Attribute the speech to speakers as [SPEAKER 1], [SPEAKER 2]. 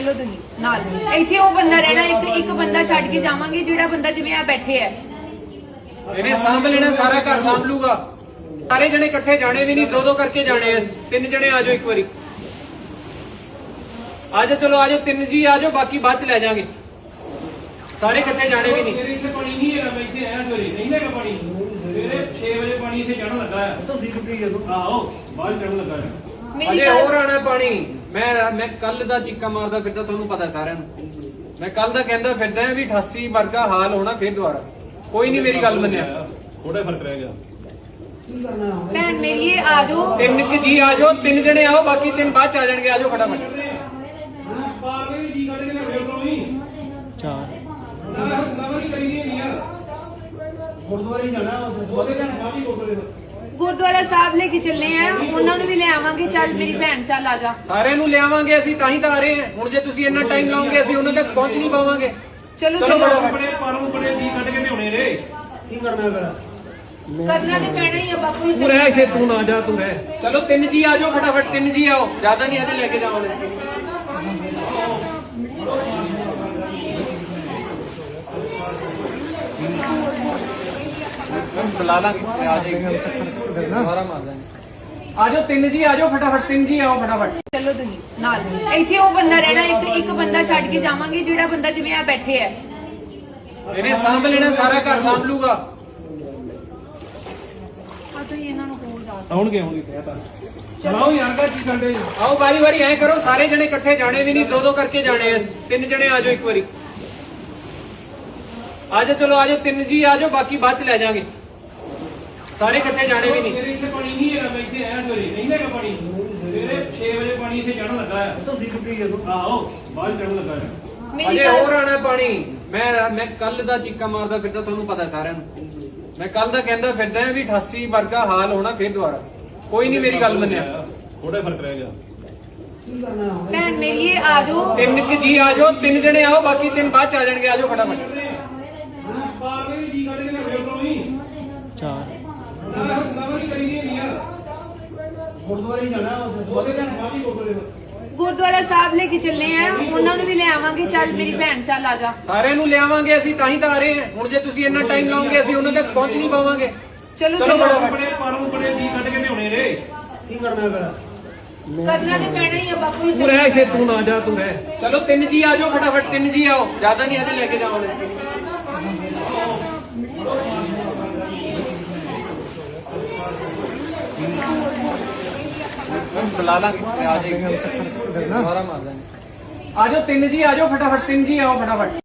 [SPEAKER 1] ਚਲੋ ਤੁਸੀਂ ਨਾਲ ਇੱਥੇ ਉਹ ਬੰਦਾ ਰਹਿਣਾ, ਇੱਕ ਬੰਦਾ ਛੱਡ ਕੇ ਜਾਵਾਂਗੇ ਜਿਹੜਾ ਬੰਦਾ ਜਿਵੇਂ ਆ ਬੈਠੇ ਹੈ
[SPEAKER 2] ਇਹਨੇ ਸਾਂਭ ਲੈਣਾ, ਸਾਰਾ ਘਰ ਸਾਂਭ ਲੂਗਾ। ਸਾਰੇ ਜਣੇ ਇਕੱਠੇ ਜਾਣੇ ਵੀ ਨਹੀਂ, ਦੋ ਦੋ ਕਰਕੇ ਜਾਣੇ ਆ। ਤਿੰਨ ਜਣੇ ਆ ਜਾਓ ਇੱਕ ਵਾਰੀ, ਆ ਜਾਓ, ਚਲੋ ਆ ਜਾਓ, ਤਿੰਨ ਜੀ ਆ ਜਾਓ, ਬਾਕੀ ਬਾਅਦ ਚ ਲੈ ਜਾਾਂਗੇ। ਸਾਰੇ ਇਕੱਠੇ ਜਾਣੇ ਵੀ ਨਹੀਂ।
[SPEAKER 3] ਇੱਥੇ ਪਾਣੀ ਨਹੀਂ ਹੈਗਾ, ਮੈਂ ਇੱਥੇ ਆਇਆ ਸਵੇਰੇ, ਨਹੀਂ ਹੈਗਾ ਪਾਣੀ। ਸਵੇਰੇ 6 ਵਜੇ ਪਾਣੀ ਇੱਥੇ ਚੜਨ ਲੱਗਾ ਹੈ। ਤੁਸੀਂ ਟੁੱਟੀ ਜਦੋਂ ਆਓ ਬਾਹਰ ਚੜਨ ਲੱਗਾ ਹੈ।
[SPEAKER 1] ਮੇਰੀ
[SPEAKER 2] ਅਜੇ
[SPEAKER 1] ਗੱਲ
[SPEAKER 2] ਹੋਰ ਆਣਾ ਪਾਣੀ। ਮੈਂ ਕੱਲ ਦਾ ਚੀਕਾ ਮਾਰਦਾ ਫਿਰਦਾ, ਤੁਹਾਨੂੰ ਪਤਾ ਸਾਰਿਆਂ ਨੂੰ। ਮੈਂ ਕੱਲ ਦਾ ਕਹਿੰਦਾ ਫਿਰਦਾ ਵੀ 88 ਵਰਗਾ ਹਾਲ ਹੋਣਾ ਫਿਰ ਦੁਬਾਰਾ। ਕੋਈ ਨਹੀਂ ਮੇਰੀ ਗੱਲ ਮੰਨਿਆ।
[SPEAKER 3] ਥੋੜਾ ਫਰਕ ਰਹਿ ਗਿਆ।
[SPEAKER 1] ਭੈਣ ਮੇਰੀ ਇਹ ਆ ਜਾਓ,
[SPEAKER 2] ਤਿੰਨ ਕੁ ਜੀ ਆ ਜਾਓ, ਤਿੰਨ ਜਣੇ ਆਓ, ਬਾਕੀ ਤਿੰਨ ਬਾਅਦ ਚ ਆ ਜਾਣਗੇ। ਆ ਜਾਓ ਫਟਾਫਟ।
[SPEAKER 3] ਪਾਰਲੇ ਜੀ ਕੱਢ ਕੇ ਲਿਆਓ ਕੋਲ ਨਹੀਂ। ਚਾਰ ਸਵਾਰੀ ਕਰੀ ਨਹੀਂ ਯਾਰ। ਗੁਰਦੁਆਰੇ ਜਾਣਾ, ਉਹਦੇ ਘਰ ਸਾਡੀ ਗੁਰਦੁਆਰੇ
[SPEAKER 1] ਗੁਰਦੁਆਰਾ ਸਾਹਿਬ ਲੈ ਕੇ ਚੱਲੇ ਆ, ਉਹਨਾਂ ਨੂੰ ਵੀ ਲੈ ਆਵਾਂਗੇ। ਚੱਲ ਮੇਰੀ ਭੈਣ, ਚੱਲ ਆ ਜਾ।
[SPEAKER 2] ਸਾਰਿਆਂ ਨੂੰ ਲਿਆਵਾਂਗੇ ਅਸੀਂ, ਤਾਂ ਹੀ ਤਾਂ ਆ ਰਹੇ ਹਾਂ। ਹੁਣ ਜੇ ਤੁਸੀਂ ਇੰਨਾ ਟਾਈਮ ਲਾਓਗੇ ਅਸੀਂ ਉਹਨਾਂ ਤੱਕ ਪਹੁੰਚ ਨਹੀਂ ਪਾਵਾਂਗੇ।
[SPEAKER 1] ਚਲੋ
[SPEAKER 2] ਚਲੋ
[SPEAKER 1] ਚਲੋ
[SPEAKER 3] ਆਪਣੇ ਪਰੋਂ ਬੜੇ ਜੀ ਕੱਢ ਕੇ ਲਿਆਉਣੇ ਰੇ। ਕੀ ਕਰਨਾ ਫਿਰ?
[SPEAKER 1] ਕਰਨਾ ਤੇ ਪੈਣਾ ਹੀ ਆ ਬਾਪੂ ਜੀ।
[SPEAKER 3] ਤੂੰ ਰਹਿ ਇੱਥੇ, ਤੂੰ ਨਾ ਜਾ, ਤੂੰ ਰਹਿ।
[SPEAKER 2] ਚਲੋ ਤਿੰਨ ਜੀ ਆ ਜਾਓ ਫਟਾਫਟ, ਤਿੰਨ ਜੀ ਆਓ, ਜ਼ਿਆਦਾ ਨਹੀਂ ਅਜੇ ਲੈ ਕੇ ਜਾਵਾਂਗੇ। ਬੁਲਾ ਲਾਂਗੇ, ਆ ਜਾਏਗਾ, ਸਾਰਾ ਮਾਰ ਦਾਂਗੇ। ਆ ਜਾਓ ਤਿੰਨ ਜੀ ਆ ਜਾਓ ਫਟਾਫਟ, ਤਿੰਨ ਜੀ ਆਓ ਫਟਾਫਟ।
[SPEAKER 1] ਚਲੋ ਤੁਸੀਂ ਨਾਲ ਇੱਥੇ ਉਹ ਬੰਦਾ ਰਹਿਣਾ, ਇੱਕ ਬੰਦਾ ਛੱਡ ਕੇ ਜਾਵਾਂਗੇ ਜਿਹੜਾ ਬੰਦਾ ਜਿਵੇਂ ਆ ਬੈਠੇ ਹੈ
[SPEAKER 2] ਇਹਨੇ ਸਾਂਭ ਲੈਣਾ, ਸਾਰਾ ਘਰ ਸਾਂਭ ਲੂਗਾ।
[SPEAKER 1] ਆ ਤੁਸੀਂ ਇਹਨਾਂ ਨੂੰ ਕੋਲ ਜਾ
[SPEAKER 3] ਆਉਣਗੇ ਕਹਿਤਾ। ਚਲਾਓ ਯਾਰ ਕਾ ਕੀ ਕਰਦੇ?
[SPEAKER 2] ਆਓ ਵਾਰੀ ਵਾਰੀ ਐ ਕਰੋ, ਸਾਰੇ ਜਣੇ ਇਕੱਠੇ ਜਾਣੇ ਵੀ ਨਹੀਂ, ਦੋ ਦੋ ਕਰਕੇ ਜਾਣੇ ਆ। ਤਿੰਨ ਜਣੇ ਆ ਜਾਓ ਇੱਕ ਵਾਰੀ, ਆ ਜਾਓ, ਚਲੋ ਆ ਜਾਓ, ਤਿੰਨ ਜੀ ਆ ਜਾਓ, ਬਾਕੀ ਬਾਅਦ ਚ ਲੈ ਜਾਾਂਗੇ। ਸਾਰੇ ਇਕੱਠੇ ਜਾਣੇ ਵੀ ਨਹੀਂ।
[SPEAKER 3] ਇੱਥੇ ਪਾਣੀ ਨਹੀਂ ਹੈਗਾ, ਮੈਂ ਇੱਥੇ ਆਇਆ ਸਵੇਰੇ, ਨਹੀਂ ਹੈਗਾ ਪਾਣੀ। ਸਵੇਰੇ 6 ਵਜੇ ਪਾਣੀ ਇੱਥੇ ਚੜਨ ਲੱਗਾ ਹੈ। ਤੁਸੀਂ ਟੁੱਟੀ ਜਦੋਂ ਆਓ ਬਾਹਰ ਚੜਨ ਲੱਗਾ ਹੈ।
[SPEAKER 1] ਮੇਰੀ
[SPEAKER 2] ਅਜੇ
[SPEAKER 1] ਗੱਲ
[SPEAKER 2] ਹੋਰ ਆਣਾ ਪਾਣੀ। ਮੈਂ ਕੱਲ ਦਾ ਚੀਕਾ ਮਾਰਦਾ ਫਿਰਦਾ, ਤੁਹਾਨੂੰ ਪਤਾ ਸਾਰਿਆਂ ਨੂੰ। ਮੈਂ ਕੱਲ ਦਾ ਕਹਿੰਦਾ ਫਿਰਦਾ ਵੀ 88 ਵਰਗਾ ਹਾਲ ਹੋਣਾ ਫਿਰ ਦੁਬਾਰਾ। ਕੋਈ ਨਹੀਂ ਮੇਰੀ ਗੱਲ ਮੰਨਿਆ।
[SPEAKER 3] ਥੋੜਾ ਫਰਕ ਰਹਿ ਗਿਆ।
[SPEAKER 1] ਭੈਣ ਮੇਰੀ ਇਹ ਆ ਜਾਓ,
[SPEAKER 2] ਤਿੰਨ ਕੁ ਜੀ ਆ ਜਾਓ, ਤਿੰਨ ਜਣੇ ਆਓ, ਬਾਕੀ ਤਿੰਨ ਬਾਅਦ ਚ ਆ ਜਾਣਗੇ। ਆ ਜਾਓ ਫਟਾਫਟ।
[SPEAKER 3] ਪਾਰਲੇ ਜੀ ਕੱਢ ਕੇ ਲਿਆਓ ਕੋਲ ਨਹੀਂ। ਚਾਰ ਸਵਾਰੀ ਕਰੀ ਨਹੀਂ ਯਾਰ। ਗੁਰਦੁਆਰੇ ਜਾਣਾ, ਉਹਦੇ ਘਰ ਸਾਡੀ ਗੁਰਦੁਆਰੇ
[SPEAKER 1] ਗੁਰਦੁਆਰਾ ਸਾਹਿਬ ਲੈ ਕੇ ਚੱਲੇ ਆ, ਉਹਨਾਂ ਨੂੰ ਵੀ ਲੈ ਆਵਾਂਗੇ। ਚੱਲ ਮੇਰੀ ਭੈਣ, ਚੱਲ ਆ ਜਾ।
[SPEAKER 2] ਸਾਰਿਆਂ ਨੂੰ ਲਿਆਵਾਂਗੇ ਅਸੀਂ, ਤਾਂ ਹੀ ਤਾਂ ਆ ਰਹੇ ਹਾਂ। ਹੁਣ ਜੇ ਤੁਸੀਂ ਇੰਨਾ ਟਾਈਮ ਲਾਓਗੇ ਅਸੀਂ ਉਹਨਾਂ ਤੱਕ ਪਹੁੰਚ ਨਹੀਂ ਪਾਵਾਂਗੇ।
[SPEAKER 1] ਚਲੋ
[SPEAKER 2] ਚਲੋ
[SPEAKER 1] ਚਲੋ
[SPEAKER 3] ਆਪਣੇ ਪਰੋਂ ਬੜੇ ਜੀ ਕੱਢ ਕੇ ਲਿਆਉਣੇ ਰੇ। ਕੀ ਕਰਨਾ ਫਿਰ?
[SPEAKER 1] ਕਰਨਾ ਤੇ ਪੈਣਾ ਹੀ ਆ ਬਾਪੂ ਜੀ।
[SPEAKER 3] ਤੂੰ ਰਹਿ ਇੱਥੇ, ਤੂੰ ਨਾ ਜਾ, ਤੂੰ ਰਹਿ।
[SPEAKER 2] ਚਲੋ ਤਿੰਨ ਜੀ ਆ ਜਾਓ ਫਟਾਫਟ, ਤਿੰਨ ਜੀ ਆਓ, ਜ਼ਿਆਦਾ ਨਹੀਂ ਅਜੇ ਲੈ ਕੇ ਜਾਵਾਂਗੇ। ਬੁਲਾ ਲਾਂਗੇ, ਆ ਜਾਏਗਾ, ਸਾਰਾ ਮਾਰ ਦਾਂਗੇ। ਆ ਜਾਓ ਤਿੰਨ ਜੀ ਆ ਜਾਓ ਫਟਾਫਟ, ਤਿੰਨ ਜੀ ਆਓ ਫਟਾਫਟ।